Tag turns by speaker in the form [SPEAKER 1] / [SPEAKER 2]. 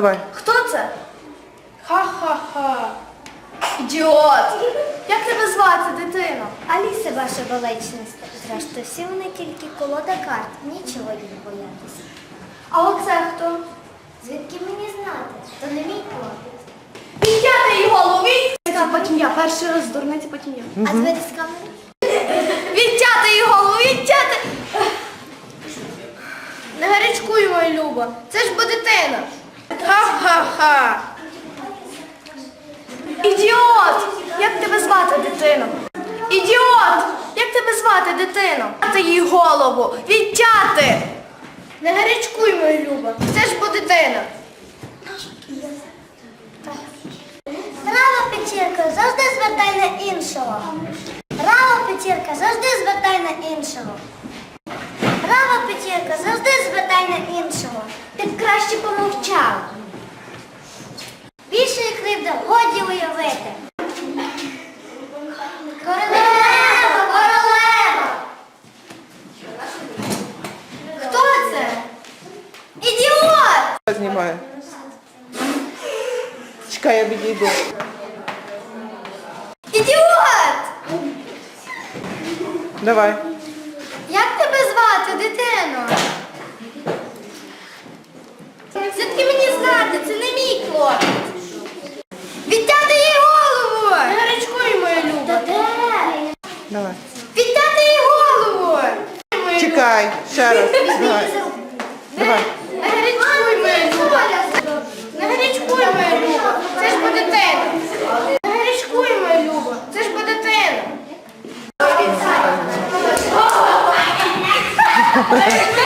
[SPEAKER 1] Давай.
[SPEAKER 2] Хто це? Ха-ха-ха. Ідіот. Як тебе звати, дитино?
[SPEAKER 3] Аліса, ваша величність. Зрештою, всі вони тільки колода карт. Нічого їх боятися.
[SPEAKER 2] А оце хто?
[SPEAKER 3] Звідки мені знати? То не мій хлопець.
[SPEAKER 2] Відтяти її голову! Потім я. Перший раз дурниці, потім я.
[SPEAKER 3] А звідки з камери?
[SPEAKER 2] Відтяти її голову! Відтяти! Не гарячкуй, моя Люба. Це ж бо дитина. Ха-ха-ха. Ідіот! Як тебе звати, дитино? Ідіот! Як тебе звати, дитино? Відтяти їй голову! Відтяти! Не гарячкуй, моя Люба. Це ж бо дитина.
[SPEAKER 3] Права печірка, завжди звертай на іншого. Права печірка, завжди звертай на іншого. Права печірка, завжди звертай на іншого. Ти б краще помовчав. Більшої кривди годі уявити. Королева, королева!
[SPEAKER 2] Хто це? Ідіот!
[SPEAKER 1] Знімаю. Чекай, я відійду.
[SPEAKER 2] Ідіот!
[SPEAKER 1] Давай.
[SPEAKER 2] Як тебе звати, дитино? Звідки мені знати? Це не мій хлопець. Відтяти їй голову! Не гарячкуй, моя Люба.
[SPEAKER 1] Давай.
[SPEAKER 2] Відтяти їй голову!
[SPEAKER 1] Чекай, ще раз. Давай. Давай.
[SPEAKER 2] Не гарячкуй, моя Люба. Не гарячкуй, моя Люба. Це ж бо дитина. Не гарячкуй, моя Люба. Це ж бо дитина.